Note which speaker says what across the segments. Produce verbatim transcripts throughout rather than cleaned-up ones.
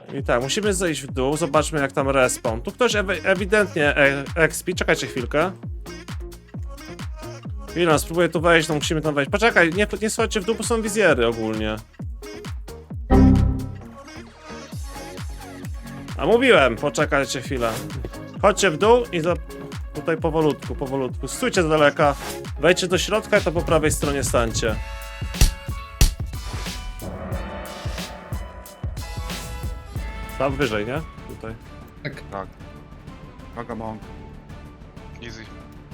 Speaker 1: I tak, musimy zejść w dół, zobaczmy jak tam respawn. Tu ktoś ewi ewidentnie e expi, czekajcie chwilkę. Chwilę, spróbuję tu wejść, no musimy tam wejść. Poczekaj, nie, nie słuchajcie w dół, bo są wizjery ogólnie. A mówiłem, poczekajcie chwilę. Chodźcie w dół i za... tutaj powolutku, powolutku. Stójcie z daleka, wejdźcie do środka i to po prawej stronie stańcie. Tam wyżej, nie? Tutaj.
Speaker 2: Tak.
Speaker 3: Tak. Uwaga, mąk.
Speaker 4: Easy.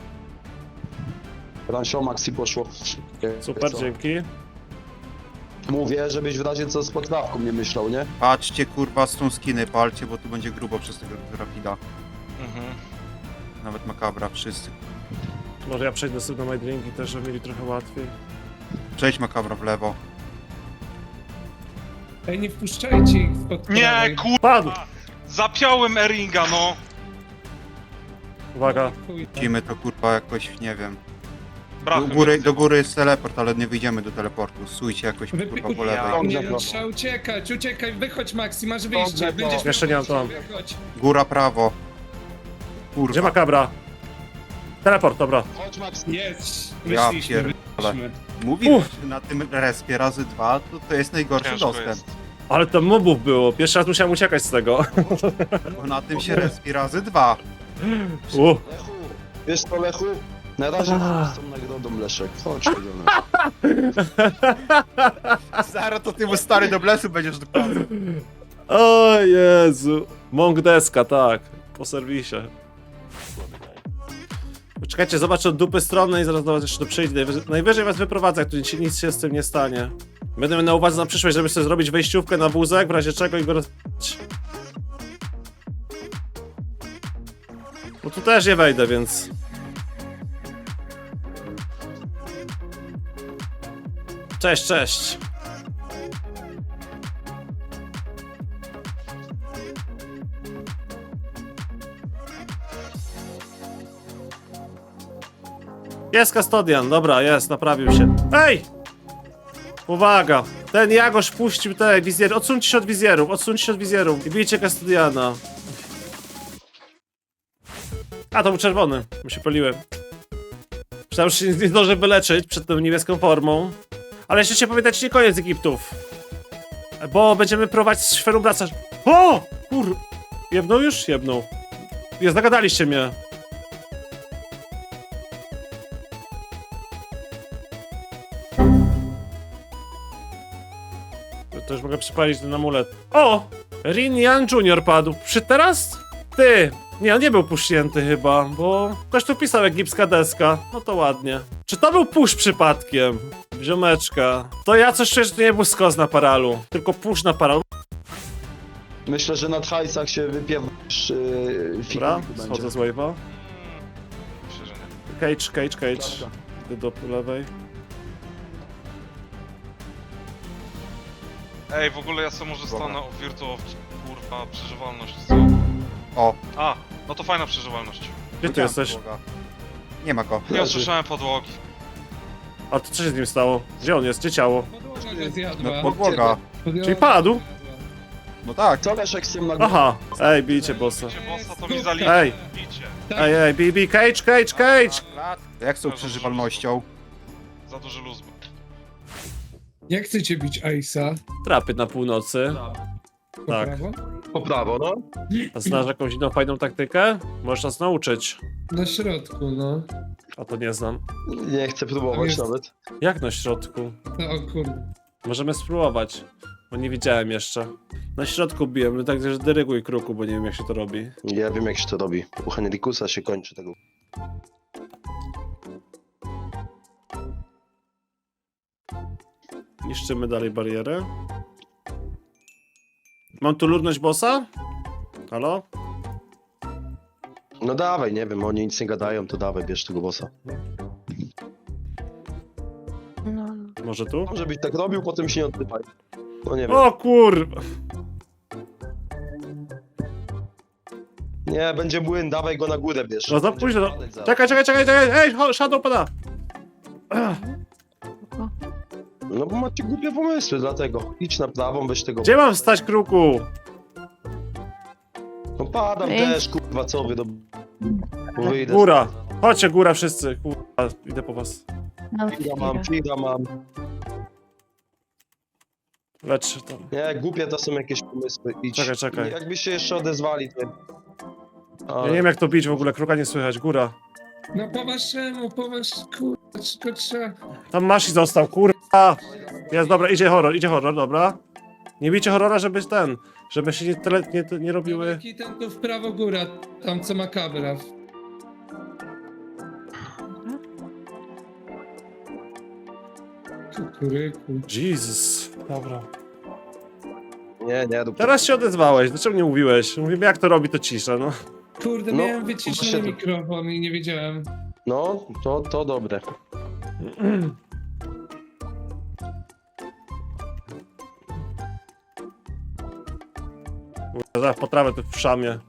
Speaker 5: Ransio Maxi poszło.
Speaker 1: Super, dzięki.
Speaker 5: Mówię, żebyś w razie co z potrawką nie myślał, nie?
Speaker 3: Patrzcie, kurwa, z tą skiny palcie, bo tu będzie grubo przez tego rapida.
Speaker 4: Mhm.
Speaker 3: Nawet makabra, wszyscy.
Speaker 1: Może ja przejdę sobie na my drinki też, żeby mieli trochę łatwiej.
Speaker 3: Przejdź makabra w lewo.
Speaker 2: Ej, nie wpuszczajcie ich spod
Speaker 4: Nie,
Speaker 2: prawej.
Speaker 1: Padł!
Speaker 4: kurwa! Zapiąłem Eringa, no!
Speaker 1: Uwaga.
Speaker 2: Chuj, tak.
Speaker 3: Widzimy to, kurwa, jakoś, nie wiem. Do
Speaker 4: Brachy
Speaker 3: góry, do góry jest teleport, ale nie wyjdziemy do teleportu. Stójcie jakoś, kurwa, po
Speaker 2: Wypikuj-
Speaker 3: lewej.
Speaker 2: Nie,
Speaker 5: Dobrze,
Speaker 2: trzeba uciekać, uciekaj, wychodź Maxi, masz wyjście,
Speaker 5: Dobrze,
Speaker 2: będziesz
Speaker 1: Jeszcze nie mam tam.
Speaker 2: Wychodź.
Speaker 3: Góra, prawo.
Speaker 1: Gdzie
Speaker 3: Kurwa.
Speaker 1: makabra? Teleport, dobra.
Speaker 5: Chodź Maxi.
Speaker 2: Jest,
Speaker 3: Ja
Speaker 2: myśliśmy,
Speaker 3: pierdolę.
Speaker 2: myśliśmy.
Speaker 3: Mówiłem, że na tym respie razy dwa to, to jest najgorszy
Speaker 4: Ciężko
Speaker 3: dostęp.
Speaker 4: jest.
Speaker 1: Ale to mobów było, pierwszy raz musiałem uciekać z tego.
Speaker 3: Bo na tym się respi razy dwa.
Speaker 1: U.
Speaker 5: Lechu, wiesz co Lechu? Na razie
Speaker 1: Ah.
Speaker 5: z tą nagrodą Leszek. Chodź, chodźmy.
Speaker 3: Zaraz to ty mu stary do blesu będziesz dokładny.
Speaker 1: O Jezu. Mąk deska, tak. Po serwisie. Czekajcie, zobaczę od dupy strony i zaraz do was jeszcze przyjdzie. Najwyżej, najwyżej was wyprowadzę, jak tu nic, nic się z tym nie stanie. Będę miał na uwadze na przyszłość, żeby sobie zrobić wejściówkę na wózek, w razie czego i go roz... Bo tu też nie wejdę, więc... Cześć, cześć. Jest Custodian, dobra, jest, naprawił się. Ej! Uwaga! Ten Jagosz puścił te wizjery. Odsuńcie się od wizjerów, odsuńcie się od wizjerów i bijcie Custodiana. A, to był czerwony. My się poliłem. Myślałem, że się nie zdążę wyleczyć przed tą niebieską formą. Ale jeszcze się pamiętać, nie koniec Egiptów. Bo będziemy prowadzić z szferą wraca. O! Kur... Jebnął już? Jebnął. Jest, zagadaliście mnie. To też mogę przypalić ten amulet. O! Rin Yan Junior padł. Przy teraz? Ty! Nie, on nie był pusznięty chyba, bo ktoś tu pisał egipska deska. No to ładnie. Czy to był push przypadkiem? Ziomeczka. To ja coś czuję, że to nie był skos na paralu, tylko push na paralu.
Speaker 5: Myślę, że na hajsach się wypiewasz yy,
Speaker 1: Dobra,
Speaker 5: figurki
Speaker 1: schodzę z
Speaker 5: będzie.
Speaker 1: wave'a.
Speaker 4: Myślę, że nie.
Speaker 1: Cage, cage, cage. Idę do lewej.
Speaker 4: Ej, w ogóle ja sobie może stanę o Virtua, kurwa, przeżywalność, co?
Speaker 3: O,
Speaker 4: A, no to fajna przeżywalność.
Speaker 1: Gdzie ty jesteś?
Speaker 3: podłoga. Nie ma go.
Speaker 4: Nie usłyszałem podłogi.
Speaker 1: A to co się z nim stało? Gdzie on jest? Gdzie ciało?
Speaker 2: Podłoga go zjadła.
Speaker 3: No podłoga.
Speaker 2: Podłoga
Speaker 1: Czyli padł?
Speaker 3: No tak.
Speaker 5: Co Leszek z tym nagrodą?
Speaker 1: Aha! Ej, bijcie bossa.
Speaker 4: Bicie bossa, to mi zaliczy.
Speaker 1: Ej!
Speaker 4: Bicie.
Speaker 1: Ej, ej, bij, bij, cage, cage, cage!
Speaker 3: Jak z tą przeżywalnością?
Speaker 4: Za duży luz był.
Speaker 2: Jak chcecie bić Ace'a?
Speaker 1: Trapy na północy.
Speaker 2: Po
Speaker 1: Tak.
Speaker 2: prawo?
Speaker 5: Po prawo, no.
Speaker 1: A znasz jakąś inną fajną taktykę? Możesz nas nauczyć.
Speaker 2: Na środku, no.
Speaker 1: A to nie znam.
Speaker 5: Nie chcę próbować
Speaker 2: Jest.
Speaker 5: nawet.
Speaker 1: Jak na środku?
Speaker 2: No o kurde.
Speaker 1: Możemy spróbować. Bo nie widziałem jeszcze. Na środku biłem, no tak, że dyryguj kruku, bo nie wiem jak się to robi.
Speaker 5: Ja wiem jak się to robi. U Henrikusa się kończy tego.
Speaker 1: Niszczymy dalej barierę. Mam tu ludność bossa? Halo?
Speaker 5: No dawaj, nie wiem, oni nic nie gadają, to dawaj, bierz tego bossa.
Speaker 1: Może tu?
Speaker 5: Może byś tak robił, potem się nie odpytaj. No nie wiem.
Speaker 1: O kurwa!
Speaker 5: Nie, będzie młyn, dawaj go na górę, bierz.
Speaker 1: No za
Speaker 5: Będzie
Speaker 1: późno.
Speaker 5: padać zaraz.
Speaker 1: Czekaj, czekaj, czekaj, czekaj! Ej, ho- Shadow pada!
Speaker 5: No bo macie głupie pomysły, dlatego. Idź na prawą, weź tego
Speaker 1: Gdzie mam wstać kruku?
Speaker 5: padam
Speaker 6: Ej.
Speaker 5: też, kurwa, co wy do... Wyjdę.
Speaker 1: Góra. Chodźcie, góra wszyscy. Kurwa, idę po was.
Speaker 6: No,
Speaker 5: Fira mam, fira mam.
Speaker 1: Lecz się tam.
Speaker 5: Nie, głupie to są jakieś pomysły. Idź.
Speaker 1: Czekaj, czekaj.
Speaker 5: Jakby się jeszcze odezwali, to...
Speaker 1: Ja
Speaker 5: Ale...
Speaker 1: nie wiem jak to bić w ogóle, kruka nie słychać. Góra.
Speaker 2: No po waszemu, po wasz... Kurwa, tylko trzeba...
Speaker 1: Tam Masi został, kurwa. Jest, dobra, idzie horror, idzie horror, dobra. Nie bijcie horrora, żeby ten, żeby się nie, tele, nie, nie robiły...
Speaker 2: Jaki ten tu w prawo góra, tam co ma kabra. Kukuryku.
Speaker 1: Jesus. Dobra.
Speaker 5: Nie, nie, dup...
Speaker 1: Teraz się odezwałeś, dlaczego nie mówiłeś? Mówimy jak to robi, to cisza, no.
Speaker 2: Kurde,
Speaker 5: No,
Speaker 2: miałem wyciszony
Speaker 5: właśnie to-
Speaker 2: mikrofon i nie wiedziałem.
Speaker 5: No, to, to dobre.
Speaker 1: Zaraz potrawę tu w szamie.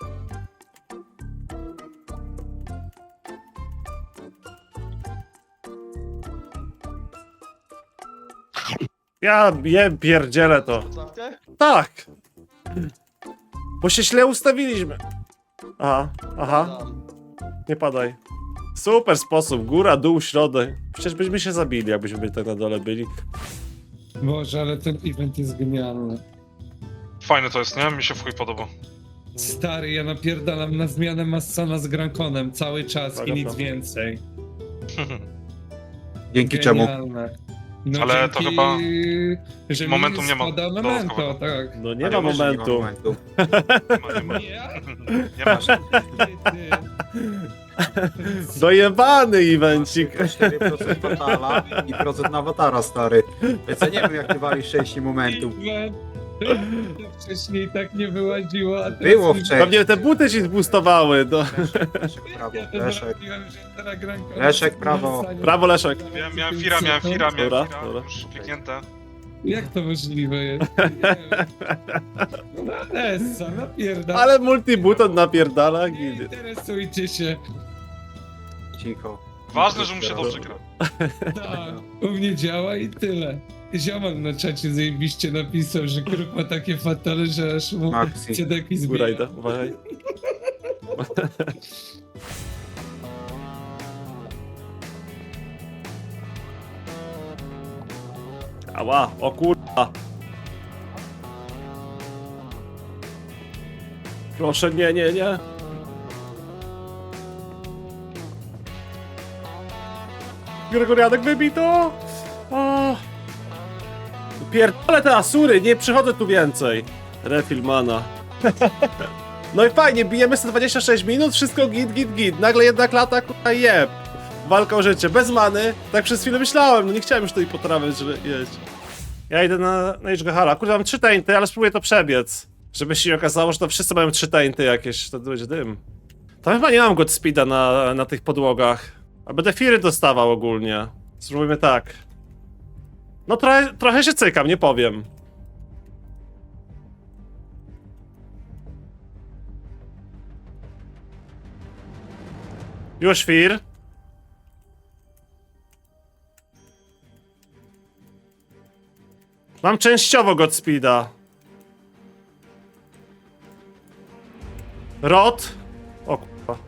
Speaker 1: Ja je pierdzielę to. Tak! Bo się źle ustawiliśmy. Aha, aha, nie padaj. Super sposób, góra, dół, środek. Przecież byśmy się zabili, jakbyśmy byli tak na dole byli.
Speaker 2: Boże, ale ten event jest genialny.
Speaker 4: Fajne to jest, nie? Mi się w chuj podoba.
Speaker 2: Stary, ja napierdalam na zmianę Massona z Grankonem cały czas
Speaker 1: Tak,
Speaker 2: i nic
Speaker 1: naprawdę.
Speaker 2: więcej.
Speaker 3: Dzięki czemu?
Speaker 2: Genialne. No
Speaker 4: Ale to
Speaker 2: dzięki,
Speaker 4: chyba
Speaker 2: że
Speaker 4: momentum
Speaker 2: mi
Speaker 4: nie ma
Speaker 2: spada memento,
Speaker 4: dodatkowego.
Speaker 2: tak.
Speaker 1: No nie
Speaker 3: Ale
Speaker 1: ma
Speaker 3: wiesz, że nie
Speaker 1: momentu.
Speaker 3: momentu.
Speaker 4: Nie ma, nie ma.
Speaker 2: Nie,
Speaker 4: Nie ma.
Speaker 2: ty, ty.
Speaker 1: Dojebany evencik.
Speaker 3: cztery procent Fatala i procent na Awatara, stary. Więc ja nie wiem, jak ty walisz sześć momentów.
Speaker 2: To wcześniej tak nie wyłaziło, a teraz
Speaker 3: Było
Speaker 2: mi-
Speaker 3: wcześniej.
Speaker 1: Pewnie te buty ci zboostowały. No.
Speaker 3: Leszek, prawo,
Speaker 2: Ja to
Speaker 3: Leszek.
Speaker 2: zrobiłem, że teraz Grankona
Speaker 3: Leszek, prawo.
Speaker 2: wracanie-
Speaker 1: Prawo, Leszek.
Speaker 4: Miałem, miałem fira, miałem fira, miałem
Speaker 1: Dobra,
Speaker 4: fira.
Speaker 1: dobra.
Speaker 4: Już kliknięte.
Speaker 2: Jak to możliwe jest? Nie wiem. No Nessa, napierdala.
Speaker 1: Ale multibuton napierdala.
Speaker 2: Nie
Speaker 1: Gidy.
Speaker 2: interesujcie się.
Speaker 3: Cicho.
Speaker 4: Ważne, że mu się dobrze gra.
Speaker 2: Tak, u mnie działa i tyle. Ziomal na czacie zajebiście napisał, że kruk ma takie fatale, że aż mu
Speaker 3: Maxi.
Speaker 2: ciedeki
Speaker 1: Góra
Speaker 2: zbiera.
Speaker 1: idę, uważaj. Ała, o kurwa. Proszę, nie, nie, nie. Gregorianek wybito! O. Pierdolę te asury, nie przychodzę tu więcej. Refill mana. No i fajnie, bijemy sto dwadzieścia sześć minut, wszystko git, git, git. Nagle jedna klata, kurwa, jeb. Walka o życie, bez many. Tak przez chwilę myślałem, no nie chciałem już tej potrawy że- jeść. Ja idę na, na Ichgahara. Kurde, mam trzy tainty, ale spróbuję to przebiec. Żeby się nie okazało, że to wszyscy mają trzy tainty jakieś, to będzie dym. Tam chyba nie mam Godspeeda na, na tych podłogach. A będę firy dostawał ogólnie. Spróbujmy tak. No trochę, trochę się cykam, nie powiem. Już fir. Mam częściowo Godspeeda. Rot. O kurwa.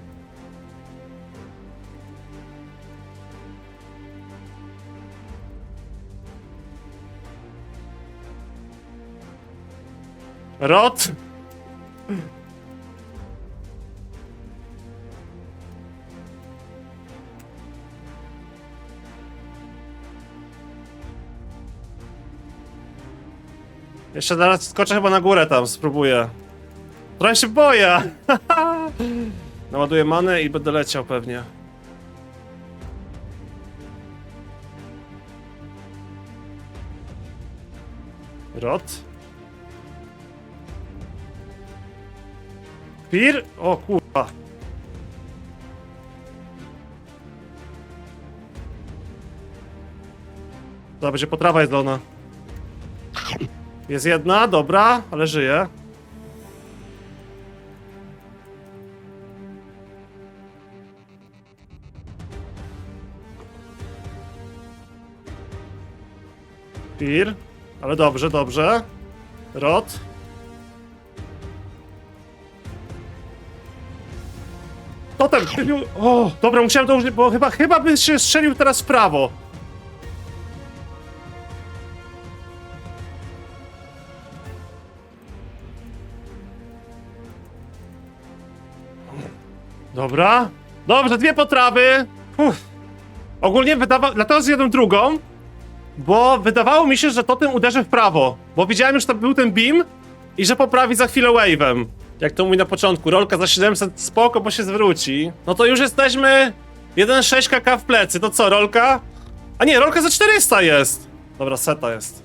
Speaker 1: Rot. Jeszcze zaraz skoczę chyba na górę tam, spróbuję. Trochę się boję. Naładuję manę i będę leciał pewnie. Rot. Pir? O kurwa. To będzie potrawa jedzona. Jest jedna, dobra, ale żyje. Pir, ale dobrze, dobrze. Rot. Totem! chybił- O, dobra, musiałem to użyć, bo chyba, chyba by się strzelił teraz w prawo. Dobra. Dobrze, dwie potrawy. Uff. Ogólnie wydawało... Dlatego zjadłem drugą, bo wydawało mi się, że totem uderzy w prawo. Bo widziałem już, że to był ten beam i że poprawi za chwilę wave'em. Jak to mówi na początku, rolka za siedemset spoko, bo się zwróci. No to już jesteśmy jeden przecinek sześć kaka w plecy. To co, rolka? A nie, rolka za czterysta jest. Dobra, seta jest.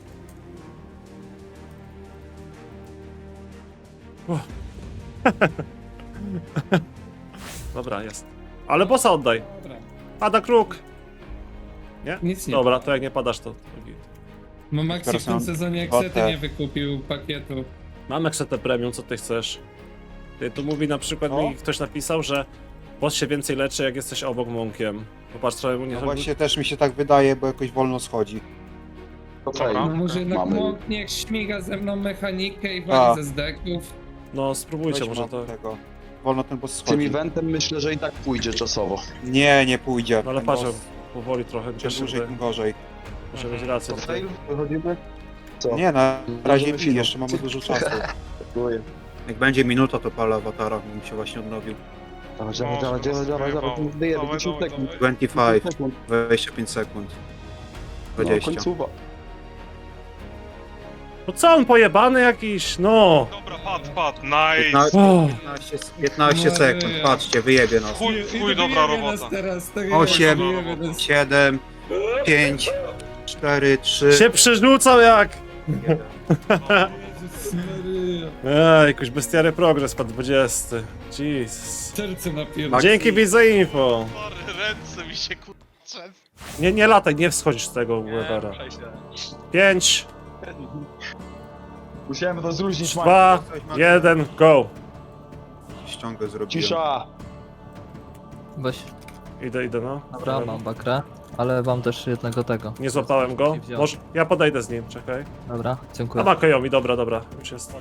Speaker 1: Uff. Dobra, jest. Ale bossa oddaj.
Speaker 2: Dobra,
Speaker 1: Pada kruk. Nie?
Speaker 2: nic nie.
Speaker 1: Dobra, to jak nie padasz, to...
Speaker 2: Bo Maxi w
Speaker 3: Teraz
Speaker 2: tym
Speaker 3: mam
Speaker 2: sezonie
Speaker 3: kwotę.
Speaker 2: Exety nie wykupił pakietu.
Speaker 1: Mam Exetę Premium, co ty chcesz? Ty, tu mówi na przykład,
Speaker 3: O.
Speaker 1: mi ktoś napisał, że boss się więcej leczy, jak jesteś obok mąkiem. Popatrz, trochę mu nie...
Speaker 3: No właśnie też mi się tak wydaje, bo jakoś wolno schodzi.
Speaker 5: Okej.
Speaker 4: Dobra.
Speaker 2: No może jednak
Speaker 5: Mamy.
Speaker 2: Monk niech śmiga ze mną mechanikę i
Speaker 3: A.
Speaker 2: wali ze zdeków.
Speaker 1: No, spróbujcie
Speaker 3: Weź
Speaker 1: może
Speaker 3: mam
Speaker 1: to...
Speaker 3: tego. Wolno ten boss
Speaker 5: Z tym
Speaker 3: schodzi.
Speaker 5: eventem myślę, że i tak pójdzie czasowo.
Speaker 3: Nie, nie pójdzie.
Speaker 1: No ale
Speaker 3: Ten
Speaker 1: patrz,
Speaker 3: boss
Speaker 1: powoli trochę,
Speaker 3: Czym
Speaker 1: gdzieś
Speaker 3: dłużej,
Speaker 1: się
Speaker 3: tym gorzej.
Speaker 1: muszę mieć rację.
Speaker 5: To
Speaker 1: tutaj.
Speaker 5: fail? Wychodzimy? Co?
Speaker 3: Nie, na razie
Speaker 5: Możemy
Speaker 3: pi,
Speaker 5: film.
Speaker 3: jeszcze mamy dużo czasu.
Speaker 5: Dziękuję.
Speaker 3: Jak będzie minuta, to palę awatara, bo mi się właśnie odnowił.
Speaker 5: Dawaj, dawaj,
Speaker 4: Może
Speaker 5: dawaj, dawaj, dawaj, dawaj,
Speaker 4: rozgrywał.
Speaker 5: wyjemy,
Speaker 4: Dawaj,
Speaker 5: dziesięć
Speaker 4: dawaj,
Speaker 5: sekund.
Speaker 4: dawaj.
Speaker 3: dwadzieścia pięć,
Speaker 5: sekund.
Speaker 3: dwadzieścia pięć sekund.
Speaker 5: No,
Speaker 3: dwadzieścia.
Speaker 5: końcówa.
Speaker 1: No co on pojebany jakiś, no!
Speaker 4: Dobra, pad, pad, nice!
Speaker 3: piętnaście,
Speaker 1: O,
Speaker 3: piętnaście, piętnaście
Speaker 2: Maryja.
Speaker 3: sekund, patrzcie, wyjebie nas.
Speaker 4: Chuj,
Speaker 2: I- i
Speaker 4: chuj, dobra
Speaker 2: dobijemy
Speaker 4: robota.
Speaker 2: nas teraz, tak
Speaker 3: Osiem.
Speaker 2: dobijemy nas.
Speaker 3: siedem, pięć, cztery, trzy,
Speaker 1: się przerzucał jak...
Speaker 3: jeden.
Speaker 2: Jezus Maryja.
Speaker 1: Ej, jakoś bestiary progres po dwudziesty. Jesus.
Speaker 2: Serce napierdolę.
Speaker 3: Max-
Speaker 1: Dzięki widz za info.
Speaker 4: Sorry, ręce mi się kurczę.
Speaker 1: Nie, nie lataj, nie wschodzisz z tego webera. Pięć,
Speaker 5: Musiałem to zluźnić, Mike.
Speaker 1: dwa, jeden, go.
Speaker 3: Ściągę zrobiłem.
Speaker 5: Cisza!
Speaker 6: Weź,
Speaker 1: Idę, idę, no.
Speaker 6: dobra, mam bakrę, ale mam też jednego tego.
Speaker 1: Nie złapałem go.
Speaker 6: Nie wziąłem.
Speaker 1: Może, ja podejdę z nim, czekaj.
Speaker 6: Dobra,
Speaker 1: A
Speaker 6: dziękuję.
Speaker 1: ma Kajomi, dobra, dobra. Już jest.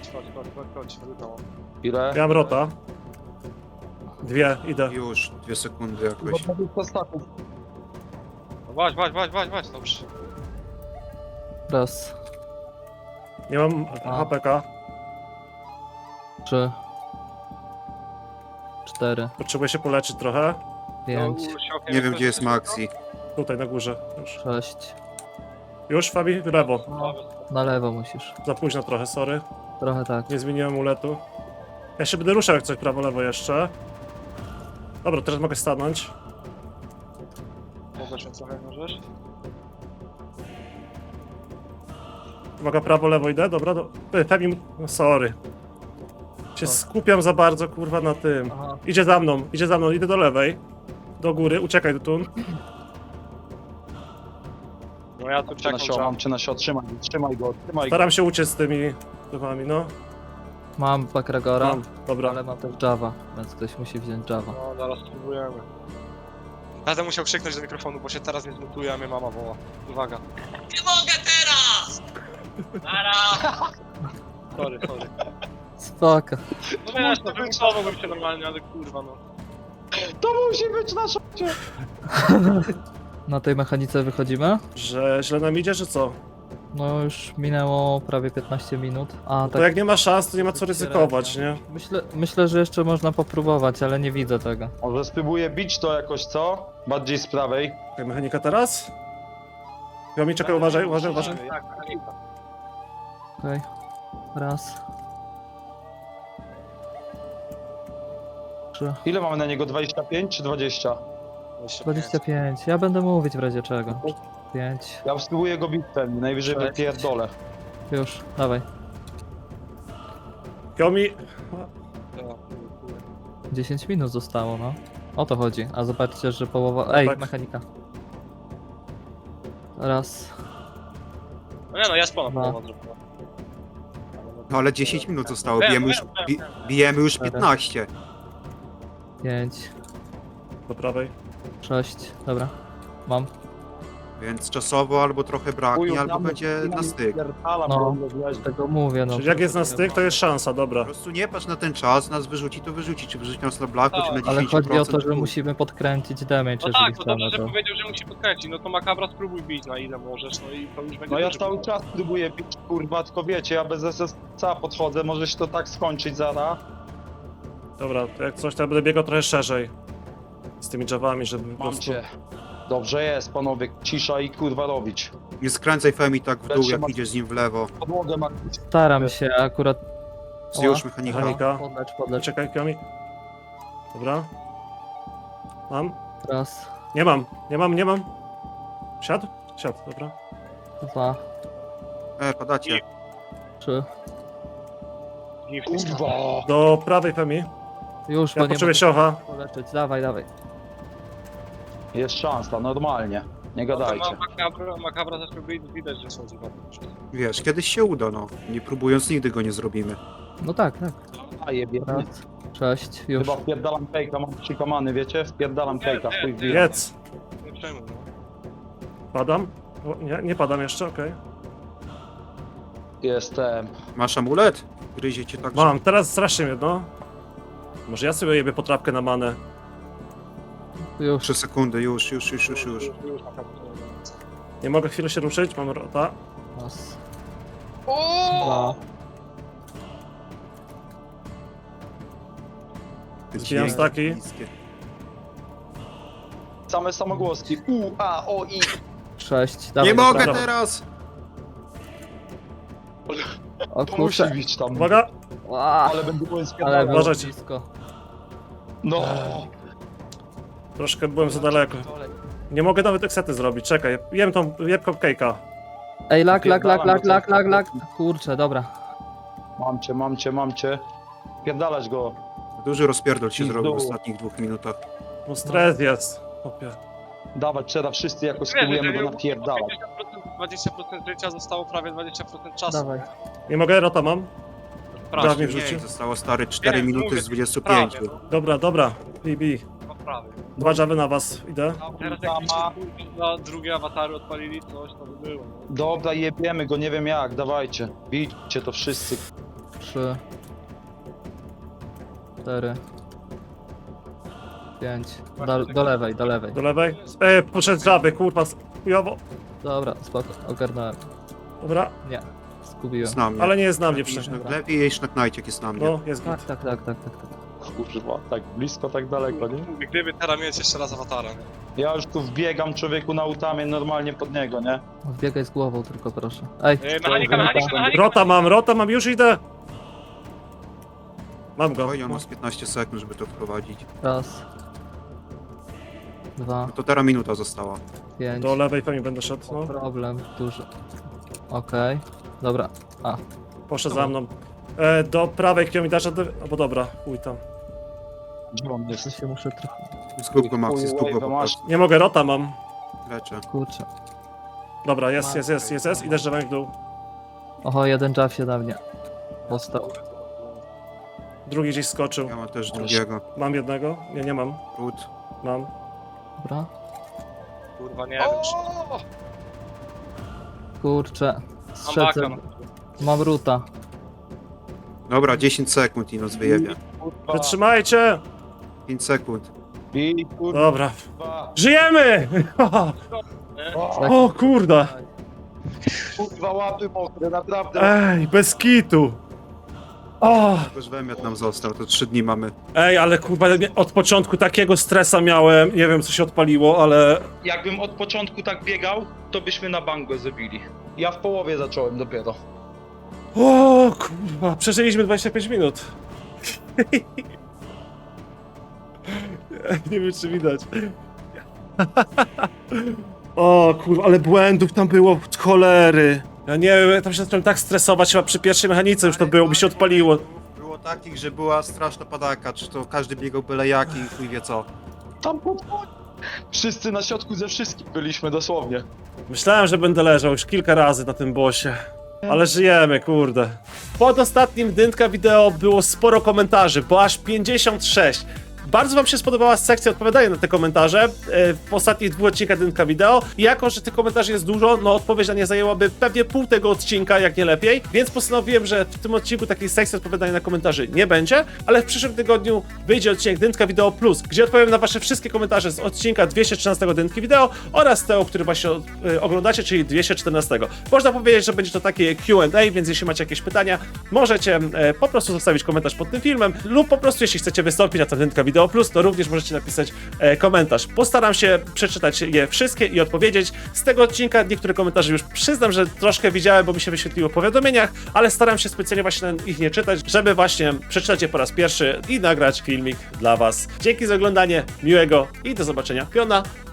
Speaker 5: Ile?
Speaker 1: Ja mam rota. Dwie, idę.
Speaker 3: Już, dwie sekundy jakoś.
Speaker 5: dwadzieścia staków.
Speaker 4: Wać, wać, wać, wać, wać, dobrze.
Speaker 6: Raz,
Speaker 1: Nie mam
Speaker 6: A.
Speaker 1: H P K.
Speaker 6: trzy, cztery,
Speaker 1: Potrzebuję się poleczyć trochę.
Speaker 6: pięć,
Speaker 3: Nie wiem, gdzie jest Maxi.
Speaker 1: Tutaj na górze. Już.
Speaker 6: sześć.
Speaker 1: Już, Fabi? W lewo.
Speaker 6: No, na lewo musisz.
Speaker 1: Za późno trochę, sorry.
Speaker 6: Trochę tak.
Speaker 1: Nie zmieniłem uletu. Ja się będę ruszał jak coś prawo, lewo jeszcze. Dobra, teraz mogę stanąć.
Speaker 4: Mogę się trochę możesz?
Speaker 1: Uwaga, prawo, lewo idę, dobra, do... Ty, Femi... No, sorry. Się skupiam za bardzo, kurwa, na tym.
Speaker 6: Aha.
Speaker 1: Idzie za mną, idzie za mną, idę do lewej. Do góry, uciekaj do tu.
Speaker 4: No ja tu
Speaker 5: Czy na sio, mam czy na sio, trzymaj go, trzymaj go, trzymaj go.
Speaker 1: Staram się uciec z tymi dymami, no.
Speaker 6: Mam Bakragora,
Speaker 1: Mam, dobra.
Speaker 6: ale mam też Java, więc ktoś musi wziąć Java.
Speaker 4: No, zaraz spróbujemy. Będę musiał krzyknąć do mikrofonu, bo się teraz nie zmutuje, a mnie mama woła. Uwaga. Nie mogę teraz! Nara! Sorry, sorry.
Speaker 6: Spoko.
Speaker 4: No wiesz, no wymuszowałbym się normalnie, ale kurwa no.
Speaker 5: To musi być na szocie!
Speaker 6: Na tej mechanice wychodzimy?
Speaker 1: Że źle nam idzie, że co?
Speaker 6: No już minęło prawie piętnaście minut. A
Speaker 1: To
Speaker 6: tak.
Speaker 1: jak nie ma szans, to nie ma co ryzykować, nie?
Speaker 6: Myślę, myślę, że jeszcze można popróbować, ale nie widzę tego.
Speaker 5: Może spróbuję bić to jakoś, co? Bardziej z prawej.
Speaker 1: Jak mechanika teraz? Ja mi czekaj, uważaj, uważaj, uważaj.
Speaker 4: Tak,
Speaker 6: Okej. Raz. Trzy.
Speaker 5: Ile mamy na niego? dwadzieścia pięć czy dwadzieścia?
Speaker 6: dwadzieścia pięć. Ja będę mówić w razie czego. pięć.
Speaker 5: Ja spróbuję go bić ten, najwyżej
Speaker 6: Sześć.
Speaker 5: wypierdolę.
Speaker 6: Już, dawaj.
Speaker 1: Kiomi...
Speaker 6: dziesięć minut zostało, no. O to chodzi. A zobaczcie, że połowa... Ej,
Speaker 1: Tak.
Speaker 6: mechanika. Raz.
Speaker 4: No nie no, ja spłonę
Speaker 6: Dwa.
Speaker 4: połowę zrobiła.
Speaker 3: No ale dziesięć minut zostało,
Speaker 4: Wiem,
Speaker 3: bijemy już,
Speaker 4: wiem, wiem,
Speaker 3: bi,
Speaker 4: wiem.
Speaker 3: bijemy już
Speaker 6: Cztery.
Speaker 3: piętnaście.
Speaker 6: Pięć.
Speaker 1: Do prawej.
Speaker 6: Sześć. Dobra. Mam.
Speaker 3: Więc czasowo albo trochę braknie, albo będzie na styk.
Speaker 6: No, tego mówię, no.
Speaker 1: Czyli jak jest na styk, to jest szansa, dobra.
Speaker 3: Po prostu nie patrz na ten czas, nas wyrzuci, to wyrzuci. Czy wyrzuci nas na blaku,
Speaker 4: Tak,
Speaker 3: czy na
Speaker 6: Ale
Speaker 3: dziesięć procent.
Speaker 6: chodzi o to, że
Speaker 3: chuj.
Speaker 6: musimy podkręcić damage,
Speaker 4: No
Speaker 6: jeżeli
Speaker 4: tak, to
Speaker 6: chcemy
Speaker 4: dobrze, że
Speaker 6: to.
Speaker 4: powiedział, że musi podkręcić. No to Makabra spróbuj bić na ile możesz, no i to już będzie
Speaker 5: No ja
Speaker 4: duży
Speaker 5: cały
Speaker 4: problem.
Speaker 5: czas próbuję bić, kurwa, tylko wiecie, ja bez S S C podchodzę, może się to tak skończyć zaraz.
Speaker 1: Dobra, to jak coś, to ja będę biegał trochę szerzej. Z tymi drzewami, żeby po
Speaker 5: Mam
Speaker 1: prostu...
Speaker 5: cię. Dobrze jest, panowie, cisza i kurwa robić.
Speaker 3: Nie skręcaj Femi tak w dół,
Speaker 5: Lecz
Speaker 3: jak
Speaker 5: ma-
Speaker 3: idziesz z nim w lewo.
Speaker 5: Podłogę ma...
Speaker 6: Staram się akurat...
Speaker 3: Zjesz
Speaker 6: O,
Speaker 3: mechanika.
Speaker 1: Mechanika.
Speaker 6: Podlecz, podlecz.
Speaker 1: Czekaj, Kiomi. Dobra. Mam?
Speaker 6: Raz,
Speaker 1: Nie mam, nie mam, nie mam. Siadł? Siadł, dobra.
Speaker 6: dwa,
Speaker 3: E, padacie.
Speaker 6: trzy.
Speaker 4: Nie w tym
Speaker 5: Kurwa!
Speaker 1: Do prawej Femi.
Speaker 6: Już,
Speaker 1: Ja
Speaker 6: bo nie
Speaker 1: potrzebuję
Speaker 6: mogę
Speaker 1: siocha.
Speaker 6: poleczyć. Dawaj, dawaj.
Speaker 5: Jest szansa, normalnie. Nie
Speaker 4: No to
Speaker 5: gadajcie.
Speaker 4: ma- Makabra, Makabra zaczął być, widać, że schodzi na to.
Speaker 3: Wiesz, kiedyś się uda, no. Nie próbując, nigdy go nie zrobimy.
Speaker 6: No tak, tak.
Speaker 5: A jebie.
Speaker 6: Raz, sześć, już.
Speaker 5: Chyba wpierdalam fejka, mam trzy kamany, wiecie? Wpierdalam
Speaker 4: Nie,
Speaker 5: fejka,
Speaker 4: nie,
Speaker 5: chuj
Speaker 4: nie.
Speaker 5: wie.
Speaker 1: Jedz.
Speaker 4: Nie przejmuj, no.
Speaker 1: Padam? O, nie, nie padam jeszcze, okej.
Speaker 5: Jestem.
Speaker 3: Masz amulet? Gryzie cię tak,
Speaker 1: Mam, teraz strasznie mnie, no. Może ja sobie jebie potrawkę na manę.
Speaker 6: Już.
Speaker 3: trzy sekundy, już, już, już, już, już.
Speaker 4: Już Makabra.
Speaker 1: Nie mogę chwilę się ruszyć, mam rota.
Speaker 6: Raz,
Speaker 4: O!
Speaker 6: dwa.
Speaker 1: Zbijam
Speaker 3: Dźwięki
Speaker 1: staki.
Speaker 3: niskie.
Speaker 5: Same samogłoski. U, A, O, I.
Speaker 6: Sześć, dawaj.
Speaker 3: Nie
Speaker 6: do
Speaker 3: mogę
Speaker 6: prawej.
Speaker 3: teraz!
Speaker 6: O
Speaker 5: To musi
Speaker 6: kurczę.
Speaker 5: być tam.
Speaker 1: Uwaga!
Speaker 6: Ła,
Speaker 5: Ale będę byłem
Speaker 6: ale
Speaker 5: spierdalał.
Speaker 6: było
Speaker 1: Uważajcie.
Speaker 6: blisko.
Speaker 5: No.
Speaker 1: Troszkę byłem za daleko. Nie mogę nawet eksety zrobić, czekaj. Jem tą, jem cupcake'a.
Speaker 6: Ej, lak, lak, lak, lak,
Speaker 5: Wpierdalam
Speaker 6: lak,
Speaker 5: go,
Speaker 6: lak,
Speaker 5: co?
Speaker 6: lak. Kurczę, dobra.
Speaker 5: Mam cię, mam cię, mam cię. Pierdalać go.
Speaker 3: Duży rozpierdol się
Speaker 5: I w
Speaker 3: zrobił w
Speaker 5: dół.
Speaker 3: ostatnich dwóch minutach.
Speaker 1: No stres jest. Opie.
Speaker 5: Dawać trzeba wszyscy jakoś
Speaker 4: Wiesz,
Speaker 5: spróbujemy
Speaker 4: jeżeli
Speaker 5: go napierdalać.
Speaker 4: pięćdziesiąt procent, dwadzieścia procent życia zostało prawie dwadzieścia procent czasu.
Speaker 6: Dawaj.
Speaker 1: Nie mogę, rota mam.
Speaker 4: Prawie,
Speaker 1: Prawie
Speaker 3: Mniej,
Speaker 1: wrzucił.
Speaker 3: zostało stary cztery
Speaker 4: Nie,
Speaker 3: minuty
Speaker 4: mówię,
Speaker 3: z dwudziestu
Speaker 4: prawie,
Speaker 3: pięciu.
Speaker 4: no,
Speaker 1: Dobra, dobra. Bi, bi.
Speaker 4: no prawie.
Speaker 1: Dwa dżawy na was, idę.
Speaker 4: A teraz jak mi na drugie awatary odpalili, coś to by było. no.
Speaker 5: Dobra, jebiemy go, nie wiem jak, dawajcie. Bijcie to wszyscy.
Speaker 6: Trzy. Cztery. Pięć. Do, do lewej, do lewej.
Speaker 1: Do lewej. E, poszedł żaby, kurwa, chujowo.
Speaker 6: Dobra, spoko, ogarnąłem.
Speaker 1: Dobra,
Speaker 6: Nie, zgubiłem.
Speaker 3: Z nami.
Speaker 1: ale nie jest na mnie
Speaker 3: Lepiej
Speaker 1: przecież.
Speaker 3: iść na- Lepiej jeść na knajcie, jak jest na mnie.
Speaker 1: No, jest
Speaker 6: Tak,
Speaker 1: git.
Speaker 6: tak, tak, tak, tak, tak.
Speaker 5: Kurwa, tak blisko, tak daleko, nie?
Speaker 4: Mówię, gdyby teraz mieć jeszcze raz awatara, nie?
Speaker 5: Ja już tu wbiegam człowieku na utamię normalnie pod niego, nie?
Speaker 6: Wbiegaj z głową tylko, proszę. Ej,
Speaker 4: Ej, mechanika, mechanika, mechanika!
Speaker 1: Rota mam, rota mam, już idę. Mam go.
Speaker 3: Oj, on ma z piętnaście sekund, żeby to wprowadzić.
Speaker 6: raz. Dwa,
Speaker 3: No to teraz minuta została.
Speaker 6: pięć.
Speaker 1: Do lewej pewnie będę szedł, no.
Speaker 6: Problem duży. Okej. Dobra. A,
Speaker 1: Poszedł za mną. E, do prawej, kto mi dasz, albo dobra, chuj tam.
Speaker 5: Gdzie on
Speaker 6: to
Speaker 5: jest?
Speaker 6: się muszę trochę...
Speaker 3: Zgub go, Maxi, zgub go
Speaker 5: Wave'a
Speaker 3: po
Speaker 5: masz.
Speaker 3: prostu.
Speaker 1: Nie mogę, rota mam.
Speaker 3: Leczę.
Speaker 6: Kurczę.
Speaker 1: Dobra, jest, jest, jest, jest, jest. Idę drzewem w dół.
Speaker 6: Oho, jeden jaw się na mnie. Postał.
Speaker 1: Drugi gdzieś skoczył.
Speaker 3: Ja mam też drugiego.
Speaker 1: Mam jednego? Nie, nie mam.
Speaker 3: Ród.
Speaker 1: Mam.
Speaker 6: Dobra.
Speaker 4: Kurwa, nie wiem.
Speaker 6: Kurczę.
Speaker 4: Mam
Speaker 6: Strzedzę.
Speaker 4: baka, no.
Speaker 6: Mam ruta.
Speaker 3: Dobra, dziesięć sekund i nos wyjebie.
Speaker 5: Kurwa,
Speaker 1: Wytrzymajcie!
Speaker 3: pięć sekund.
Speaker 5: bij, kurwa.
Speaker 1: Dobra. Żyjemy! O kurde!
Speaker 5: Kurwa, łapy mokre, naprawdę.
Speaker 1: Ej, bez kitu! O!
Speaker 3: Tylko, że wymiot nam został, to trzy dni mamy.
Speaker 1: Ej, ale kurwa, od początku takiego stresa miałem. Nie wiem, co się odpaliło, ale...
Speaker 5: Jakbym od początku tak biegał, to byśmy na bank go zabili. Ja w połowie zacząłem dopiero.
Speaker 1: O kurwa, przeżyliśmy dwadzieścia pięć minut. Nie wiem, czy widać. O kurwa, ale błędów tam było od cholery. Ja nie wiem, ja tam się zacząłem tak stresować, chyba przy pierwszej mechanice już to było, mi się odpaliło.
Speaker 3: Było takich, że była straszna padaka, czy to każdy biegał byle jaki i chuj wie co.
Speaker 5: Tam pod... Wszyscy na środku ze wszystkich byliśmy, dosłownie.
Speaker 1: Myślałem, że będę leżał już kilka razy na tym bossie. Ale żyjemy, kurde. Pod ostatnim dynka wideo było sporo komentarzy, bo aż pięćdziesiąt sześć. bardzo wam się spodobała sekcja odpowiadania na te komentarze e, w ostatnich dwóch odcinkach Dynka Wideo. I jako, że tych komentarzy jest dużo, no odpowiedź na nie zajęłaby pewnie pół tego odcinka, jak nie lepiej, więc postanowiłem, że w tym odcinku takiej sekcji odpowiadania na komentarzy nie będzie, ale w przyszłym tygodniu wyjdzie odcinek Dynka Wideo Plus, gdzie odpowiem na wasze wszystkie komentarze z odcinka dwieście trzynastego Dynki Wideo oraz tego, który właśnie e, oglądacie, czyli dwieście czternastego. Można powiedzieć, że będzie to takie Q and A, więc jeśli macie jakieś pytania, możecie e, po prostu zostawić komentarz pod tym filmem, lub po prostu jeśli chcecie wystąpić na ten Dynka Wideo Plus, to również możecie napisać e, komentarz. Postaram się przeczytać je wszystkie i odpowiedzieć. Z tego odcinka niektóre komentarze już przyznam, że troszkę widziałem, bo mi się wyświetliło w powiadomieniach, ale staram się specjalnie właśnie ich nie czytać, żeby właśnie przeczytać je po raz pierwszy i nagrać filmik dla was. Dzięki za oglądanie, miłego i do zobaczenia. Piona!